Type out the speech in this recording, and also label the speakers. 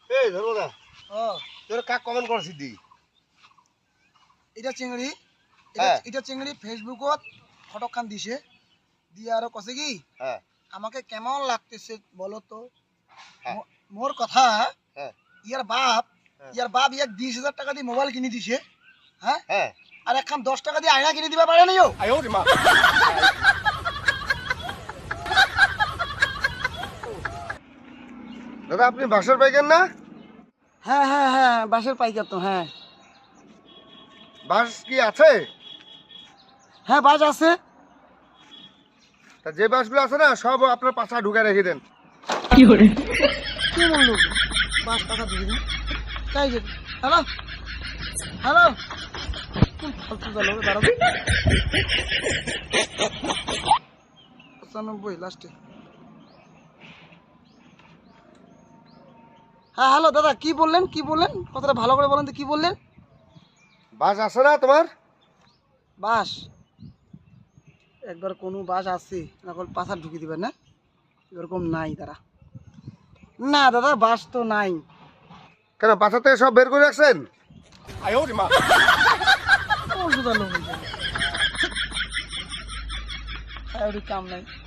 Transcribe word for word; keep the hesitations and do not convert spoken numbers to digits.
Speaker 1: এই ধরো না
Speaker 2: ও
Speaker 1: তোর কাক কমেন্ট করছিস দি
Speaker 2: এটা চিংড়ি
Speaker 1: হ্যাঁ।
Speaker 2: এটা এটা চিংড়ি ফেসবুকত ফটোখান দিছে দিয়ে আরো কছে কি
Speaker 1: হ্যাঁ
Speaker 2: আমাকে কেমন লাগতেছে বলো তো
Speaker 1: হ্যাঁ।
Speaker 2: মো- মোর কথা
Speaker 1: হ্যাঁ
Speaker 2: ইয়ার বাপ
Speaker 1: হ্যাঁ।
Speaker 2: ইয়ার বাপ ইয়াক বিশ হাজার টাকা দিয়ে মোবাইল কিনে দিছে হ্যাঁ
Speaker 1: হ্যাঁ
Speaker 2: আর একখান দশ টাকা দিয়ে আয়না কিনে দিবা পারে নিও
Speaker 1: দাদা আপনি বাসর পাইকেন না
Speaker 2: হ্যাঁ হ্যাঁ হ্যাঁ বাসের পাইকার তো হ্যাঁ
Speaker 1: বাস কি আছে?
Speaker 2: হ্যাঁ বাস আছে
Speaker 1: তা যে বাসগুলো আছে না সব আপনার পাশা ঢুকে রেখে দেন।
Speaker 2: কি বললো বাস টাকা দিয়ে দিন তাই যে হ্যালো হ্যালো কোন ফালতু গেল দাঁড়াও পঁচানব্বই লাস্টে হ্যাঁ হ্যালো দাদা কি বললেন কি বললেন কথাটা ভালো করে বলেন তো কি বললেন
Speaker 1: বাস আছে না তোমার?
Speaker 2: বাস একবার কোনো বাস আছে এখন পাশা ঢুকিয়ে দিবেন না এরকম নাই দাদা না দাদা বাস তো নাই
Speaker 1: কেন পাশা থেকে সব বের করে রাখছেন?
Speaker 2: কোন সুদার লোক হয়েছে? কাম নাই